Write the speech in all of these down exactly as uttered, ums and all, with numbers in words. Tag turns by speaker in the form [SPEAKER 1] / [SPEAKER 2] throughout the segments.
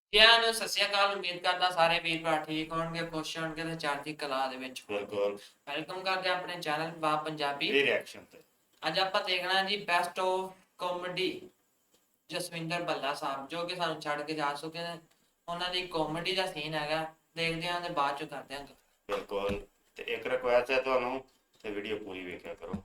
[SPEAKER 1] ਸਾਰਿਆਂ ਨੂੰ ਸਤਿ ਸ਼੍ਰੀ ਅਕਾਲ। ਉਮੀਦ ਕਰਦਾ ਸਾਰੇ ਵੀਰ ਭਰਾ ਠੀਕ ਹੋਣਗੇ, ਖੁਸ਼ ਹੋਣਗੇ ਤੇ ਚੜ੍ਹਦੀ ਕਲਾ ਦੇ ਵਿੱਚ।
[SPEAKER 2] ਬਿਲਕੁਲ
[SPEAKER 1] ਵੈਲਕਮ ਕਰਦੇ ਆਪਣੇ ਚੈਨਲ ਬਾਪ ਪੰਜਾਬੀ
[SPEAKER 2] ਇਹ ਰਿਐਕਸ਼ਨ ਤੇ
[SPEAKER 1] ਅੱਜ ਆਪਾਂ ਦੇਖਣਾ ਜੀ best of comedy Jaswinder Bhalla Sahib, ਜੋ ਕਿ ਸਾਨੂੰ ਛੱਡ ਕੇ ਜਾ ਚੁੱਕੇ ਨੇ। ਉਹਨਾਂ ਦੀ ਕਾਮੇਡੀ ਦਾ ਸੀਨ ਹੈਗਾ, ਦੇਖਦੇ ਹਾਂ ਤੇ ਬਾਅਦ ਚ ਕਰਦੇ ਹਾਂ।
[SPEAKER 2] ਬਿਲਕੁਲ ਤੇ ਇੱਕ ਰਿਕੁਐਸਟ ਹੈ ਤੁਹਾਨੂੰ ਤੇ ਵੀਡੀਓ ਪੂਰੀ ਵੇਖਿਆ ਕਰੋ।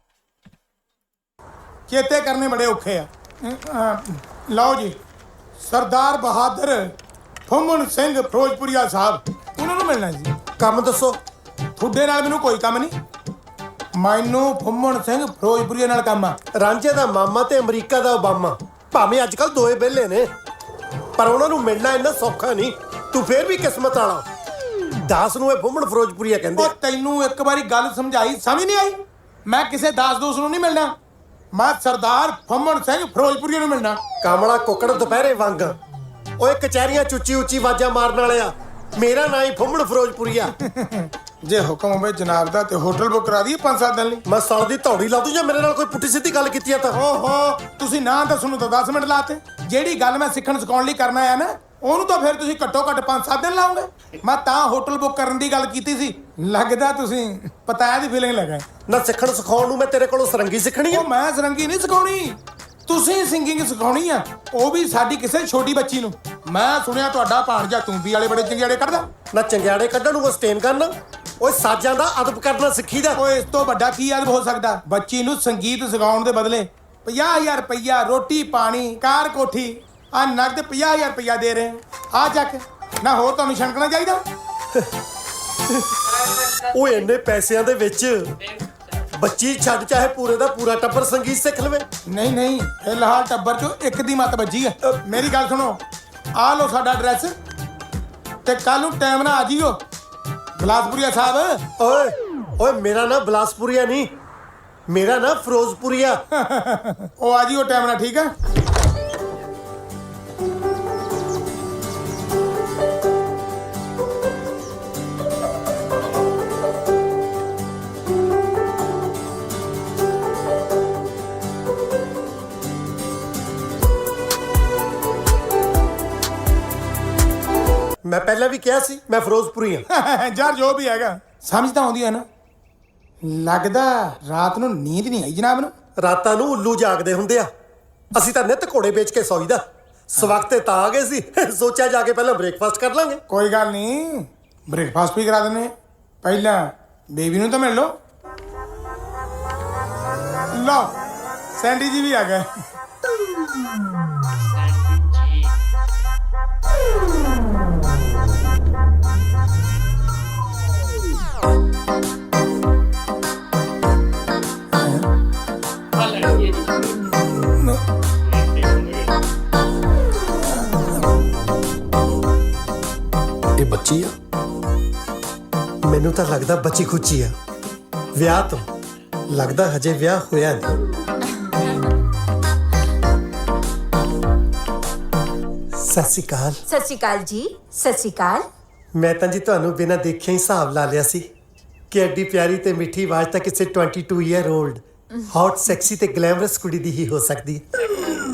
[SPEAKER 3] ਚੇਤੇ ਕਰਨੇ ਬੜੇ ਔਖੇ ਆ। ਅਹ, ਲਓ ਜੀ, ਸਰਦਾਰ ਬਹਾਦਰ ਫੁੰਮਣ ਸਿੰਘ ਫਿਰੋਜ਼ਪੁਰੀਆ ਸਾਹਿਬ, ਉਹਨਾਂ ਨੂੰ ਮਿਲਣਾ ਜੀ।
[SPEAKER 4] ਕੰਮ ਦੱਸੋ।
[SPEAKER 3] ਤੁਹਾਡੇ ਨਾਲ ਮੈਨੂੰ ਕੋਈ ਕੰਮ ਨਹੀਂ, ਮੈਨੂੰ ਫੁੰਮਣ ਸਿੰਘ ਫਿਰੋਜ਼ਪੁਰੀਆ ਨਾਲ ਕੰਮ ਆ।
[SPEAKER 4] ਰਾਂਝੇ ਦਾ ਮਾਮਾ ਤੇ ਅਮਰੀਕਾ ਦਾ ਓਬਾਮਾ ਭਾਵੇਂ ਅੱਜ ਕੱਲ ਦੋਏ ਵਿਹਲੇ ਨੇ, ਪਰ ਉਹਨਾਂ ਨੂੰ ਮਿਲਣਾ ਇੰਨਾ ਸੌਖਾ ਨਹੀਂ। ਤੂੰ ਫੇਰ ਵੀ ਕਿਸਮਤ ਵਾਲਾ। ਦਾਸ ਨੂੰ ਇਹ ਫੁੰਮਣ ਫਿਰੋਜ਼ਪੁਰੀਆ ਕਹਿੰਦੇ।
[SPEAKER 3] ਉਹ ਤੈਨੂੰ ਇੱਕ ਵਾਰੀ ਗੱਲ ਸਮਝਾਈ, ਸਮਝ ਨਹੀਂ ਆਈ? ਮੈਂ ਕਿਸੇ ਦਾਸ ਦੋਸਤ ਨੂੰ ਨਹੀਂ ਮਿਲਣਾ, ਮੈਂ ਸਰਦਾਰ ਫੁੰਮਣ ਸਿੰਘ ਫਿਰੋਜ਼ਪੁਰੀਆ ਨੂੰ ਮਿਲਣਾ।
[SPEAKER 4] ਕਾਮਲਾ ਕੁੱਕੜ ਦੁਪਹਿਰੇ ਵਾਂਗ ਓਏ ਕਚਹਿਰੀਆਂ ਚੁੱਚੀ ਉੱਚੀ ਆਵਾਜ਼ਾਂ ਮਾਰਨ ਵਾਲਿਆ, ਮੇਰਾ ਨਾਂ ਹੀ ਫੁੰਮਣ ਫਿਰੋਜ਼ਪੁਰੀਆ।
[SPEAKER 3] ਜੇ ਹੁਕਮ ਹੋਵੇ ਜਨਾਬ ਦਾ ਤੇ ਹੋਟਲ ਬੁੱਕ ਕਰਾ ਦਈਏ ਪੰਜ ਸੱਤ ਦਿਨ ਲਈ।
[SPEAKER 4] ਮੈਂ ਸਾਲ ਦੀ ਧੌੜੀ ਲਾ ਦੂੰ ਜੇ ਮੇਰੇ ਨਾਲ ਕੋਈ ਪੁੱਠੀ ਸਿੱਧੀ ਗੱਲ ਕੀਤੀ ਆ ਤਾਂ।
[SPEAKER 3] ਓਹੋ, ਤੁਸੀਂ ਨਾ ਦੱਸਣ ਨੂੰ ਤਾਂ ਦਸ ਮਿੰਟ ਲਾਤੇ। ਜਿਹੜੀ ਗੱਲ ਮੈਂ ਸਿੱਖਣ ਸਿਖਾਉਣ ਲਈ ਕਰਨਾ ਆ ਨਾ, ਉਹਨੂੰ ਤਾਂ ਫਿਰ ਤੁਸੀਂ ਘੱਟੋ ਘੱਟ ਪੰਜ ਸੱਤ ਦਿਨ ਲਾਓਗੇ। ਮੈਂ ਤਾਂ ਹੋਟਲ ਬੁੱਕ ਕਰਨ ਦੀ ਗੱਲ ਕੀਤੀ ਸੀ। ਲੱਗਦਾ ਤੁਸੀਂ ਪਤਾਇਆ ਦੀ ਫੀਲਿੰਗ ਲੱਗਾ।
[SPEAKER 4] ਨਾ ਸਿੱਖਣ ਸਿਖਾਉਣ ਨੂੰ ਮੈਂ ਤੇਰੇ ਕੋਲੋਂ ਸਰੰਗੀ ਸਿੱਖਣੀ ਆ।
[SPEAKER 3] ਉਹ ਮੈਂ ਸਰੰਗੀ ਨਹੀਂ ਸਿਖਾਉਣੀ, ਤੁਸੀਂ ਸਿੰਗਿੰਗ ਸਿਖਾਉਣੀ ਆ, ਉਹ ਵੀ ਸਾਡੀ ਕਿਸੇ ਛੋਟੀ ਬੱਚੀ ਨੂੰ। ਮੈਂ ਸੁਣਿਆ ਤੁਹਾਡਾ ਭਾਣਜਾ ਤੂੰਬੀ ਵਾਲੇ ਬੜੇ ਚੰਗਿਆੜੇ ਕੱਢਦਾ।
[SPEAKER 4] ਨਾ ਚੰਗਿਆੜੇ ਕੱਢਣ ਨੂੰ ਉਹ ਸਟੇਨ ਕਰਨਾ। ਓਏ ਸਾਜ਼ਾਂ ਦਾ ਅਦਬ ਕਰਨਾ ਸਿੱਖੀਦਾ।
[SPEAKER 3] ਓਏ ਇਸ ਤੋਂ ਵੱਡਾ ਕੀ ਅਦਬ ਹੋ ਸਕਦਾ? ਬੱਚੀ ਨੂੰ ਸੰਗੀਤ ਸਿਖਾਉਣ ਦੇ ਬਦਲੇ ਪੰਜਾਹ ਹਜ਼ਾਰ ਰੁਪਈਆ ਰੋਟੀ ਪਾਣੀ ਕਾਰ ਕੋਠੀ ਆ ਨਗਦ ਪੰਜਾਹ ਹਜ਼ਾਰ ਰੁਪਈਆ ਦੇ ਰਹੇ ਆ। ਚੱਕ ਨਾ, ਹੋਰ ਤੁਹਾਨੂੰ ਛਣਕਣਾ ਚਾਹੀਦਾ।
[SPEAKER 4] ਓਏ ਇੰਨੇ ਪੈਸਿਆਂ ਦੇ ਵਿੱਚ ਬੱਚੀ ਛੱਡ ਚਾਹੇ ਪੂਰੇ ਦਾ ਪੂਰਾ ਟੱਬਰ ਸੰਗੀਤ ਸਿੱਖ ਲਵੇ।
[SPEAKER 3] ਨਹੀਂ ਨਹੀਂ, ਫਿਲਹਾਲ ਟੱਬਰ ਚੋਂ ਇੱਕ ਦੀ ਮੱਤ ਵੱਜੀ ਆ। ਮੇਰੀ ਗੱਲ ਸੁਣੋ, ਆ ਲਓ ਸਾਡਾ ਐਡਰੈਸ ਤੇ ਕੱਲ ਨੂੰ ਟਾਈਮ ਨਾਲ ਆ ਜਿਓ ਬਿਲਾਸਪੁਰੀਆ ਸਾਹਿਬ।
[SPEAKER 4] ਓਏ ਓਏ ਮੇਰਾ ਨਾਂ ਬਿਲਾਸਪੁਰੀਆ ਨਹੀਂ, ਮੇਰਾ ਨਾਂ ਫਿਰੋਜ਼ਪੁਰੀਆ।
[SPEAKER 3] ਉਹ ਆ ਜਿਓ ਟਾਈਮ ਨਾਲ, ਠੀਕ ਆ?
[SPEAKER 4] ਮੈਂ ਪਹਿਲਾਂ ਵੀ ਕਿਹਾ ਸੀ ਮੈਂ ਫਿਰੋਜ਼ਪੁਰੀ ਹਾਂ।
[SPEAKER 3] ਯਾਰ ਜੋ ਵੀ ਹੈਗਾ, ਸਮਝ ਤਾਂ ਆਉਂਦੀ ਹੈ ਨਾ? ਲੱਗਦਾ ਰਾਤ ਨੂੰ ਨੀਂਦ ਨਹੀਂ ਆਈ ਜਨਾਬ ਨੂੰ।
[SPEAKER 4] ਰਾਤਾਂ ਨੂੰ ਉੱਲੂ ਜਾਗਦੇ ਹੁੰਦੇ ਆ, ਅਸੀਂ ਤਾਂ ਨਿੱਤ ਘੋੜੇ ਵੇਚ ਕੇ ਸੌਈਦਾ। ਸਵਖਤੇ ਤਾਂ ਆ ਗਏ ਸੀ, ਸੋਚਿਆ ਜਾ ਕੇ ਪਹਿਲਾਂ ਬ੍ਰੇਕਫਾਸਟ ਕਰ ਲਾਂਗੇ।
[SPEAKER 3] ਕੋਈ ਗੱਲ ਨਹੀਂ, ਬ੍ਰੇਕਫਾਸਟ ਵੀ ਕਰਾ ਦਿੰਦੇ। ਪਹਿਲਾਂ ਬੇਬੀ ਨੂੰ ਤਾਂ ਮਿਲ ਲਓ। ਲਓ, ਸੈਂਡੀ ਜੀ ਵੀ ਆ ਗਏ।
[SPEAKER 4] ਇਹ ਬੱਚੀ ਆ? ਮੈਨੂੰ ਤਾਂ ਲੱਗਦਾ ਬੱਚੀ ਖੁੱਚੀ ਆ। ਵਿਆਹ ਤੋਂ ਲੱਗਦਾ ਹਜੇ ਵਿਆਹ ਹੋਇਆ ਨਹੀਂ। ਸਤਿ ਸ਼੍ਰੀ ਅਕਾਲ।
[SPEAKER 5] ਸਤਿ ਸ਼੍ਰੀ ਅਕਾਲ ਜੀ। ਸਤਿ ਸ਼੍ਰੀ ਅਕਾਲ।
[SPEAKER 4] ਮੈਂ ਤਾਂ ਜੀ ਤੁਹਾਨੂੰ ਬਿਨਾਂ ਦੇਖਿਆ ਹੀ ਹਿਸਾਬ ਲਾ ਲਿਆ ਸੀ ਕਿ ਐਡੀ ਪਿਆਰੀ ਤੇ ਮਿੱਠੀ ਆਵਾਜ਼ ਤਾਂ ਕਿਸੇ ਬਾਈ ਈਅਰ 올ਡ ਹੌਟ ਸੈਕਸੀ ਤੇ ਗਲੈਮਰਸ ਕੁੜੀ ਦੀ ਹੀ ਹੋ ਸਕਦੀ ਹੈ।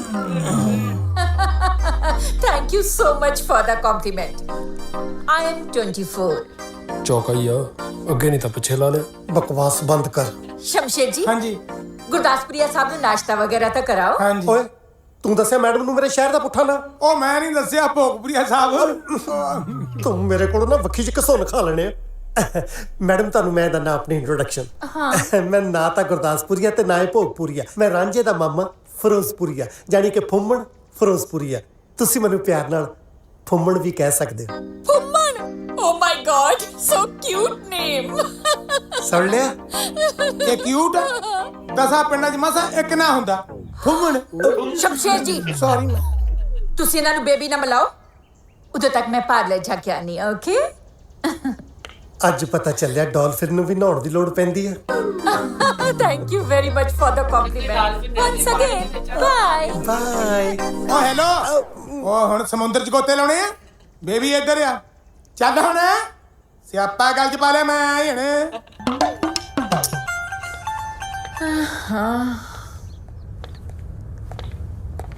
[SPEAKER 5] Thank you so much for the compliment. I am twenty-four।
[SPEAKER 6] ਚੌਕਾ ਹੀ ਆ, ਅੱਗੇ ਨਹੀਂ ਤਾਂ ਪਿੱਛੇ ਲਾ ਲਿਆ।
[SPEAKER 4] ਬਕਵਾਸ ਬੰਦ ਕਰ।
[SPEAKER 5] ਸ਼ਮਸ਼ੇਰ ਜੀ,
[SPEAKER 3] ਹਾਂਜੀ
[SPEAKER 5] ਗੁਰਦਾਸਪੁਰੀਆ ਸਾਹਿਬ ਨੂੰ ਨਾਸ਼ਤਾ ਵਗੈਰਾ ਤਾਂ ਕਰਾਓ।
[SPEAKER 3] ਹਾਂਜੀ।
[SPEAKER 4] ਓਏ ਤੂੰ ਦੱਸਿਆ ਮੈਡਮ ਨੂੰ ਮੇਰੇ ਸ਼ਹਿਰ ਦਾ ਪੁੱਠਾ ਨਾ?
[SPEAKER 3] ਉਹ ਮੈਂ ਨਹੀਂ ਦੱਸਿਆ ਭੋਗਪੁਰੀਆ ਸਾਹਿਬ।
[SPEAKER 4] ਤੂੰ ਮੇਰੇ ਕੋਲੋਂ ਨਾ ਵੱਖੀ ਚ ਘਸੁੰਨ ਖਾ ਲੈਣੇ ਆ। ਮੈਡਮ ਤੁਹਾਨੂੰ ਮੈਂ ਦੰਨਾ ਆਪਣੀ ਇੰਟਰੋਡਕਸ਼ਨ। ਮੈਂ ਨਾ ਤਾਂ ਗੁਰਦਾਸਪੁਰੀਆ ਤੇ ਨਾ ਹੀ ਭੋਗਪੁਰੀਆ, ਮੈਂ ਰਾਂਝੇ ਦਾ ਮਾਮਾ ਫਿਰੋਜ਼ਪੁਰੀਆ, ਜਾਨੀ ਕਿ ਫੁੰਮਣ ਫਿਰੋਜ਼ਪੁਰੀਆ। ਤੁਸੀਂ ਮੈਨੂੰ ਪਿਆਰ ਨਾਲ ਫੁੰਮਣ ਵੀ ਕਹਿ ਸਕਦੇ ਹੋ।
[SPEAKER 5] Phumman, oh my God, so cute name.
[SPEAKER 4] ਸੁਣ ਲਿਆ?
[SPEAKER 3] ਇਹ ਕਿਊਟ ਆ? ਦਸਾਂ ਪਿੰਡਾਂ 'ਚ ਮਸਾ ਇੱਕ ਨਾ ਹੁੰਦਾ ਫੁੰਮਣ।
[SPEAKER 5] ਸ਼ਮਸ਼ੇਰ ਜੀ,
[SPEAKER 3] ਸੌਰੀ ਮੈਂ।
[SPEAKER 5] ਤੁਸੀਂ ਇਹਨਾਂ ਨੂੰ ਬੇਬੀ ਨਾ ਮਿਲਾਓ, ਉਦੋਂ ਤੱਕ ਮੈਂ ਪਾਰਲਰ ਜਾ ਕੇ ਆਨੀ। ਓਕੇ।
[SPEAKER 4] ਅੱਜ ਪਤਾ ਚੱਲਿਆ ਡਾਲਫਿਨ ਨੂੰ ਵੀ ਨਹਾਉਣ ਦੀ ਲੋੜ ਪੈਂਦੀ ਆ।
[SPEAKER 5] Thank you very much for the compliment. Once again, bye
[SPEAKER 4] bye.
[SPEAKER 3] Oh hello, ਉਹ ਹੁਣ ਸਮੁੰਦਰ 'ਚ ਗੋਤੇ ਲਾਉਣੇ ਆ? ਬੇਬੀ ਇੱਧਰ ਆ, ਚੱਲ ਹੁਣ ਸਿਆਪਾ ਗੱਲ 'ਚ ਪਾ ਲਿਆ ਮੈਂ ਹੁਣ।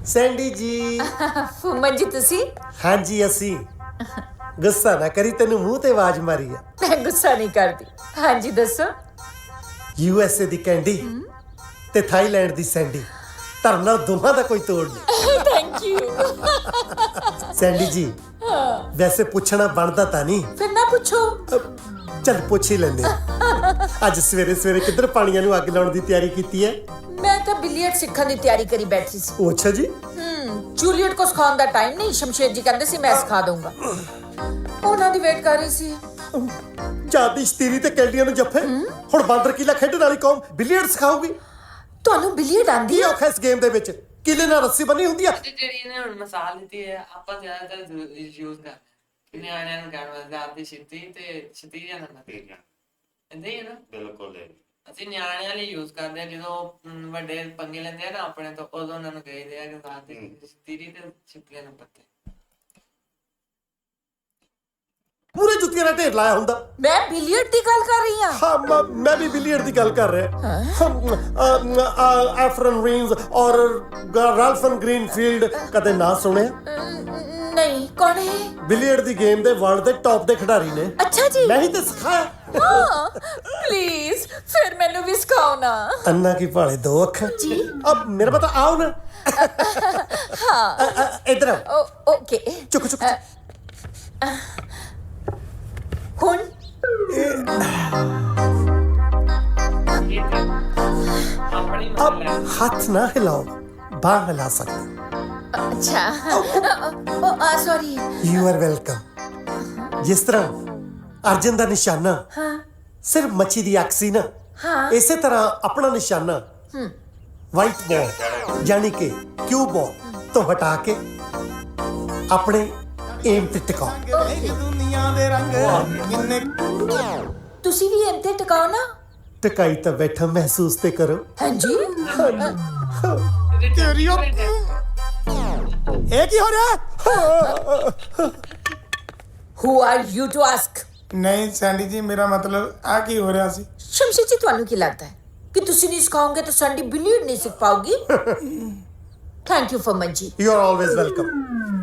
[SPEAKER 4] ਸੈਂਡੀ ਜੀ।
[SPEAKER 5] ਫੁੰਮਨ ਜੀ ਤੁਸੀਂ?
[SPEAKER 4] ਹਾਂਜੀ ਅਸੀਂ। ਗੁੱਸਾ ਨਾ ਕਰੀ, ਤੈਨੂੰ ਮੂੰਹ ਤੇ ਆਵਾਜ਼ ਮਾਰੀ ਆ।
[SPEAKER 5] ਮੈਂ ਗੁੱਸਾ ਨਹੀਂ ਕਰਦੀ। ਹਾਂਜੀ ਦੱਸੋ।
[SPEAKER 4] ਯੂ ਐਸ ਏ ਦੀ ਕੈਂਡੀ ਤੇ ਥਾਈਲੈਂਡ ਦੀ ਸੈਂਡੀ, ਧਰਨਾ ਦੋਹਾਂ ਦਾ ਕੋਈ ਤੋੜ ਨਹੀਂ।
[SPEAKER 5] Thank you.
[SPEAKER 4] ਸੈਂਡੀ ਜੀ ਵੈਸੇ ਪੁੱਛਣਾ ਬਣਦਾ ਤਾਂ ਨਹੀਂ,
[SPEAKER 5] ਫਿਰ ਨਾ ਪੁੱਛੋ।
[SPEAKER 4] ਚੱਲ ਪੁੱਛ ਹੀ ਲੈਂਦੇ ਹਾਂ। ਅੱਜ ਸਵੇਰੇ ਸਵੇਰੇ ਕਿੱਧਰ ਪਾਣੀਆਂ ਨੂੰ ਅੱਗ ਲਾਉਣ ਦੀ ਤਿਆਰੀ ਕੀਤੀ ਹੈ?
[SPEAKER 5] ਮੈਂ ਤਾਂ ਬਿਲੀਅਰਡ ਸਿੱਖਣ ਦੀ ਤਿਆਰੀ ਕਰੀ ਬੈਠੀ ਸੀ।
[SPEAKER 4] ਉਹ ਅੱਛਾ ਜੀ।
[SPEAKER 5] ਹਮ ਜੂਲੀਅਟ ਕੋ ਸਿਖਾਉਣ ਦਾ ਟਾਈਮ ਨਹੀਂ, ਸ਼ਮਸ਼ੇਰ ਜੀ ਕਹਿੰਦੇ ਸੀ ਮੈਂ ਸਿਖਾ ਦਊਂਗਾ। ਉਹਨਾਂ ਦੀ ਵੇਟ ਕਰ ਰਹੀ ਸੀ।
[SPEAKER 4] ਜਾਦੀ ਸ਼ਤੀਰੀ ਤੇ ਕੈਂਡੀਆਂ ਨੂੰ ਜੱਫੇ, ਹੁਣ ਬਾਂਦਰ ਕੀਲਾ ਖੇਡਣ ਵਾਲੀ ਕੌਮ ਬਿਲੀਅਰਡ ਸਿਖਾਊਗੀ?
[SPEAKER 5] ਤੁਹਾਨੂੰ ਬਿਲੀਅਰਡ ਆਂਦੀ
[SPEAKER 4] ਕੀ
[SPEAKER 5] ਆ?
[SPEAKER 4] ਔਖਾ ਇਸ ਗੇਮ ਦੇ ਵਿੱਚ? ਕਿਲੇ ਨਾਲ ਰੱਸੀ ਬੰਨੀ ਹੁੰਦੀ ਆ।
[SPEAKER 1] ਤੇ ਜਿਹੜੀ ਇਹਨੇ ਹੁਣ ਮਿਸਾਲ ਦਿੱਤੀ ਹੈ ਆਪਾਂ ਜ਼ਿਆਦਾਤਰ ਯੂਜ਼ ਕਰਦੇ ਕਿ ਨਿਆਣਿਆਂ ਨੂੰ ਕਹਿਣ ਵਾਸਤੇ ਆਦੀ ਛਿੱਤੀ ਤੇ ਛਤੀਰੀਆ ਨੰਬਰ
[SPEAKER 2] ਠੀਕ ਹੈ
[SPEAKER 1] ਇੰਦੇ ਹੀ ਹੈ ਨਾ।
[SPEAKER 2] ਬਿਲਕੁਲ ਇਹ।
[SPEAKER 1] ਅਸੀਂ ਨਿਆਣਿਆਂ ਲਈ ਯੂਜ਼ ਕਰਦੇ ਆ, ਜਦੋਂ ਅਮ, ਵੱਡੇ ਪੰਗੇ ਲੈਂਦੇ ਆ ਨਾ ਆਪਣੇ ਤੋਂ, ਉਦੋਂ ਉਹਨਾਂ ਨੂੰ ਕਹੀਦੇ ਆ ਕਿ ਆਦੀ ਛਤੀਰੀ ਤੇ ਛਿੱਤੀਆਂ ਨੰਬਰ ਤੇ।
[SPEAKER 4] ਪੂਰੇ ਜੁੱਤੀਆਂ ਦਾ ਢੇਰ ਲਾਇਆ ਹੁੰਦਾ।
[SPEAKER 5] ਮੈਂ ਬਿਲੀਅਰਡ ਦੀ ਗੱਲ ਕਰ ਰਹੀ ਹਾਂ।
[SPEAKER 4] ਹਾਂ ਮ- ਮੈਂ ਵੀ ਬਿਲੀਅਰਡ ਦੀ ਗੱਲ ਕਰ ਰਿਹਾ। ਐਫਰਨ ਰੀਨਸ ਔਰ ਰਾਲਫਨ ਗ੍ਰੀਨਫੀਲਡ ਕਦੇ ਨਾ ਸੁਣਿਆ?
[SPEAKER 5] ਅਮ, ਨਹੀਂ, ਕੌਣ ਹੈ?
[SPEAKER 4] ਬਿਲੀਅਰਡ ਦੀ ਗੇਮ ਦੇ ਵਰਲਡ ਦੇ ਟੌਪ ਦੇ ਖਿਡਾਰੀ ਨੇ।
[SPEAKER 5] ਅੱਛਾ ਜੀ।
[SPEAKER 4] ਮੈਂ ਹੀ ਤੇ ਸਿਖਾਇਆ।
[SPEAKER 5] ਹਾਂ ਪਲੀਜ਼ ਫਿਰ ਮੈਨੂੰ ਵੀ ਸਿਖਾਓ ਨਾ।
[SPEAKER 4] ਅੰਨਾ ਕੀ ਭਾਲੇ ਦੋ ਅੱਖਾਂ
[SPEAKER 5] ਜੀ।
[SPEAKER 4] ਅਬ ਮੇਰਾ ਪਤਾ ਆਓ ਨਾ। ਹਾਂ ਇਧਰ ਆਓ।
[SPEAKER 5] Oh okay.
[SPEAKER 4] ਚੁੱਕ ਚੁੱਕ
[SPEAKER 5] ਹੁਣ
[SPEAKER 1] ਆਪਣੀ
[SPEAKER 4] ਅਬ
[SPEAKER 1] ਮਤਲਬ ਹੈ
[SPEAKER 4] ਹੱਥ ਨਾ ਹਿਲਾਓ, ਬਾਹ ਹਿਲਾ ਸਕਦੇ।
[SPEAKER 5] ਅੱਛਾ। ਓ ਆ ਸੌਰੀ।
[SPEAKER 4] You are welcome. ਜਿਸ ਤਰ੍ਹਾਂ ਅਰਜਨ ਦਾ ਨਿਸ਼ਾਨਾ
[SPEAKER 5] ਹਾਂ
[SPEAKER 4] ਸਿਰਫ ਮੱਛੀ ਦੀ ਅੱਖ ਸੀ ਨਾ,
[SPEAKER 5] ਹਾਂ।
[SPEAKER 4] ਇਸੇ ਤਰ੍ਹਾਂ ਆਪਣਾ ਨਿਸ਼ਾਨਾ ਵਾਈਟ ਬਾਲ ਯਾਨੀ ਕਿ ਕਿਊ ਬਾਲ ਤੋਂ ਹਟਾ ਕੇ ਆਪਣੇ ਏਮ ਤੇ ਟਿਕਾਓ।
[SPEAKER 3] ਦੁਨੀਆ ਦੇ ਰੰਗ ਕਿੰਨੇ
[SPEAKER 5] ਤੁਸੀਂ ਵੀ ਇੰਤੇ ਟਿਕਾਓ ਨਾ।
[SPEAKER 4] ਟਿਕਾਈ ਤਾਂ ਬੈਠਾ, ਮਹਿਸੂਸ ਤੇ ਕਰੋ।
[SPEAKER 5] ਹਾਂਜੀ।
[SPEAKER 3] ਤੇਰੀ ਉਹ- ਇਹ ਕੀ ਹੋ ਰਿਹਾ?
[SPEAKER 5] Who are you to ask?
[SPEAKER 3] ਨਹੀਂ ਸੈਂਡੀ ਜੀ, ਮੇਰਾ ਮਤਲਬ ਆ ਕੀ ਹੋ ਰਿਹਾ ਸੀ?
[SPEAKER 5] ਸ਼ਮਸ਼ੀ ਜੀ ਤੁਹਾਨੂੰ ਕੀ ਲੱਗਦਾ ਹੈ ਕਿ ਤੁਸੀਂ ਨਹੀਂ ਸਿਖਾਓਗੇ ਤਾਂ ਸੰਡੀ ਬਿਲੀਅਰਡ ਨਹੀਂ ਸਿੱਖ ਪਾਓਗੀ? Thank you Farman ji.
[SPEAKER 4] You are always welcome.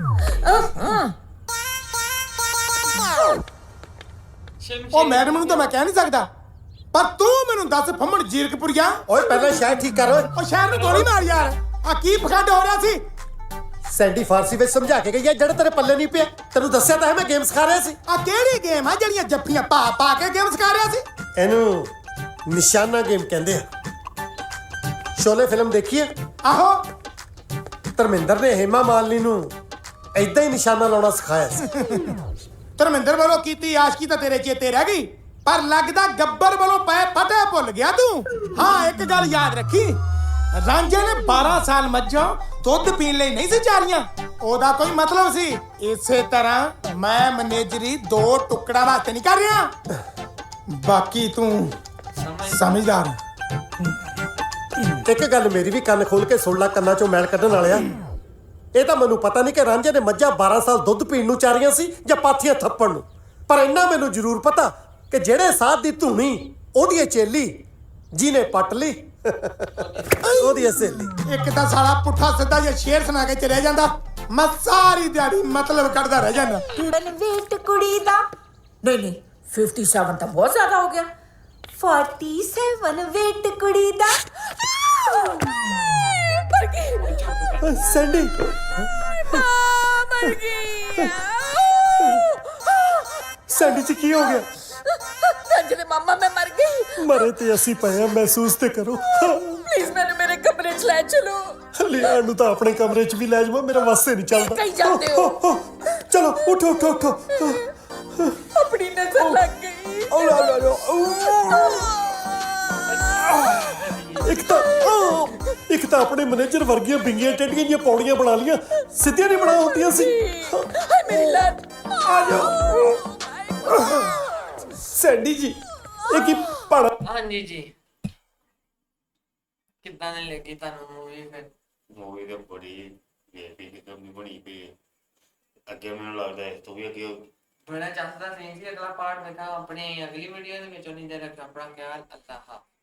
[SPEAKER 3] ਉਹ ਮੈਡਮ ਨੂੰ ਤਾਂ ਮੈਂ ਕਹਿ ਨਹੀਂ ਸਕਦਾ, ਪਰ ਤੂੰ ਮੈਨੂੰ ਦੱਸ ਫੰਮਣ ਜੀਰਕਪੁਰੀਆ।
[SPEAKER 4] ਓਏ ਪਹਿਲਾਂ ਸ਼ਾਇਦ ਠੀਕ ਕਰ ਓਏ।
[SPEAKER 3] ਉਹ ਸ਼ਹਿਰ ਨੂੰ ਗੋਲੀ ਮਾਰ ਯਾਰ। ਆ ਕੀ ਪਖੰਡ ਹੋ ਰਿਹਾ ਸੀ?
[SPEAKER 4] ਸੈਂਡੀ ਫਾਰਸੀ ਵਿੱਚ ਸਮਝਾ ਕੇ ਗਈ ਹੈ, ਜਿਹੜਾ ਤੇਰੇ ਪੱਲੇ ਨਹੀਂ ਪਿਆ। ਤੈਨੂੰ ਦੱਸਿਆ ਤਾਂ ਹੈ ਮੈਂ ਗੇਮ ਸਿਖਾ ਰਿਹਾ ਸੀ।
[SPEAKER 3] ਆ ਕਿਹੜੀ ਗੇਮ ਆ ਜਿਹੜੀਆਂ ਜੱਫੀਆਂ ਪਾ ਪਾ ਕੇ ਗੇਮ ਸਿਖਾ ਰਿਹਾ ਸੀ?
[SPEAKER 4] ਇਹਨੂੰ ਨਿਸ਼ਾਨਾ ਗੇਮ ਕਹਿੰਦੇ ਆ। ਸ਼ੋਲੇ ਫਿਲਮ ਦੇਖੀ ਹੈ?
[SPEAKER 3] ਆਹੋ।
[SPEAKER 4] ਧਰਮਿੰਦਰ ਨੇ ਹੇਮਾ ਮਾਲਿਨੀ ਨੂੰ ਏਦਾਂ ਹੀ ਨਿਸ਼ਾਨਾ ਲਾਉਣਾ ਸਿਖਾਇਆ ਸੀ।
[SPEAKER 3] ਧਰਮਿੰਦਰ ਵੱਲੋਂ ਕੀਤੀ ਆਸ਼ਕੀ ਤਾਂ ਤੇਰੇ ਚੇਤੇ ਰਹਿ ਗਈ, ਪਰ ਲੱਗਦਾ ਗੱਬਰ ਵੱਲੋਂ ਪਏ ਫਟੇ ਭੁੱਲ ਗਿਆ ਤੂੰ। ਹਾਂ ਇੱਕ ਗੱਲ ਯਾਦ ਰੱਖੀ, ਰਾਂਝੇ ਨੇ ਬਾਰਾਂ ਸਾਲ ਮੱਝਾਂ ਦੁੱਧ ਪੀਣ ਲਈ ਨਹੀਂ ਸੀ ਚਾਰੀਆਂ, ਉਹਦਾ ਕੋਈ ਮਤਲਬ ਸੀ। ਇਸੇ ਤਰ੍ਹਾਂ ਮੈਂ ਮੈਨੇਜਰੀ ਦੋ ਟੁਕੜਾ ਵਾਸਤੇ ਨਹੀਂ ਕਰ ਰਿਹਾ। ਬਾਕੀ ਤੂੰ ਸਮਝਦਾਰ।
[SPEAKER 4] ਇੱਕ ਗੱਲ ਮੇਰੀ ਵੀ ਕੰਨ ਖੋਲ ਕੇ ਸੁਣ ਲੈ, ਕੰਨਾਂ ਚੋਂ ਮੈਲ ਕੱਢਣ ਵਾਲਿਆ। ਇਹ ਤਾਂ ਮੈਨੂੰ ਪਤਾ ਨਹੀਂ ਕਿ ਰਾਂਝੇ ਨੇ ਮੱਝਾਂ ਬਾਰਾਂ ਸਾਲ ਦੁੱਧ ਪੀਣ ਨੂੰ ਚਾਰੀਆਂ ਸੀ ਜਾਂ ਪਾਥੀਆਂ ਥੱਪਣ ਨੂੰ, ਪਰ ਇੰਨਾ ਮੈਨੂੰ ਜ਼ਰੂਰ ਪਤਾ ਕਿ ਜਿਹੜੇ ਸਾਧ ਦੀ ਧੂਣੀ ਉਹਦੀ ਚੇਲੀ ਜਿਹਨੇ ਪੱਟ ਲਈ ਉਹਦੀ ਸਹੇਲੀ।
[SPEAKER 3] ਇੱਕ ਤਾਂ ਸਾਲਾ ਪੁੱਠਾ ਸਿੱਧਾ ਜਿਹਾ ਸ਼ੇਰ ਸੁਣਾ ਕੇ ਚਲੇ ਜਾਂਦਾ, ਮੈਂ ਸਾਰੀ ਦਿਹਾੜੀ ਮਤਲਬ ਕੱਢਦਾ ਰਹਿ ਜਾਂਦਾ।
[SPEAKER 5] ਵੇਟ ਕੁੜੀ ਦਾ ਨਹੀਂ ਨਹੀਂ ਸੱਤਰ ਤਾਂ ਬਹੁਤ ਜ਼ਿਆਦਾ ਹੋ ਗਿਆ। ਸੈਂਤਾਲੀ ਵੇਟ ਕੁੜੀ ਦਾ। ਮਰ ਗਈ।
[SPEAKER 4] ਸੈਂਡੀ
[SPEAKER 5] ਮਰ ਗਈ।
[SPEAKER 4] ਸੈਂਡੀ ਚ ਕੀ ਹੋ ਗਿਆ?
[SPEAKER 5] ਰੰਜਨੇ ਮਾਮਾ ਮੈਂ ਮਰ ਗਈ।
[SPEAKER 4] ਮਰੇ ਤੇ ਅਸੀਂ ਪਏ ਆ, ਮਹਿਸੂਸ ਤੇ ਕਰੋ।
[SPEAKER 5] ਪਲੀਜ਼ ਮੈਨੂੰ ਮੇਰੇ ਕਮਰੇ 'ਚ ਲੈ ਚਲੋ।
[SPEAKER 4] ਲਿਆਣ ਨੂੰ ਤਾਂ ਆਪਣੇ ਕਮਰੇ 'ਚ ਵੀ ਲੈ ਜਾਵਾਂ, ਮੇਰਾ ਵਾਸਤੇ ਨਹੀਂ ਚੱਲਦਾ।
[SPEAKER 5] ਕਹੀ ਜਾਂਦੇ ਹੋ।
[SPEAKER 4] ਚਲੋ ਉਠੋ ਉਠੋ ਉਠੋ।
[SPEAKER 5] ਆਪਣੀ ਨਜ਼ਰ ਲੱਗ ਗਈ।
[SPEAKER 4] ਇੱਕ ਤਾਂ ਇੱਕ ਤਾਂ ਆਪਣੇ ਮੈਨੇਜਰ ਵਰਗੀਆਂ ਬਿੰਗੀਆਂ ਟੇਡੀਆਂ ਜਿਹੀਆਂ ਪੌੜੀਆਂ ਬਣਾ ਲੀਆਂ, ਸਿੱਧੀਆਂ ਨਹੀਂ ਬਣਾ ਹੁੰਦੀਆਂ ਸੀ।
[SPEAKER 5] ਹਾਏ ਮੇਰੀ ਲੱਤ।
[SPEAKER 4] ਆ ਜਾਓ ਸੈਂਡੀ ਜੀ, ਇਹ ਕੀ ਪੜਾ?
[SPEAKER 1] ਹਾਂਜੀ ਜੀ। ਕਿੱਦਾਂ ਦੀ ਲੱਗੀ ਤੁਹਾਨੂੰ ਮੂਵੀ? ਫਿਰ
[SPEAKER 2] ਮੂਵੀ ਤੇ ਬੜੀ ਵੇਪੀ ਕਿਦਾਂ ਦੀ ਬਣੀ ਪਈ ਹੈ। ਅੱਗੇ ਮੈਨੂੰ ਲੱਗਦਾ ਹੈ ਤੂੰ ਵੀ ਅੱਗੇ
[SPEAKER 1] ਬੜਾ ਚਾਹਦਾ ਸੀ ਕਿ ਅਗਲਾ ਪਾਰਟ ਵੇਖਾਂ। ਆਪਣੀ ਅਗਲੀ ਵੀਡੀਓ ਦੇ ਵਿੱਚ। ਉਨੀ ਦੇਰ ਤੱਕ ਆਪਣਾ ਖਿਆਲ। ਅੱਲਾਹ ਹਾਫਿਜ਼।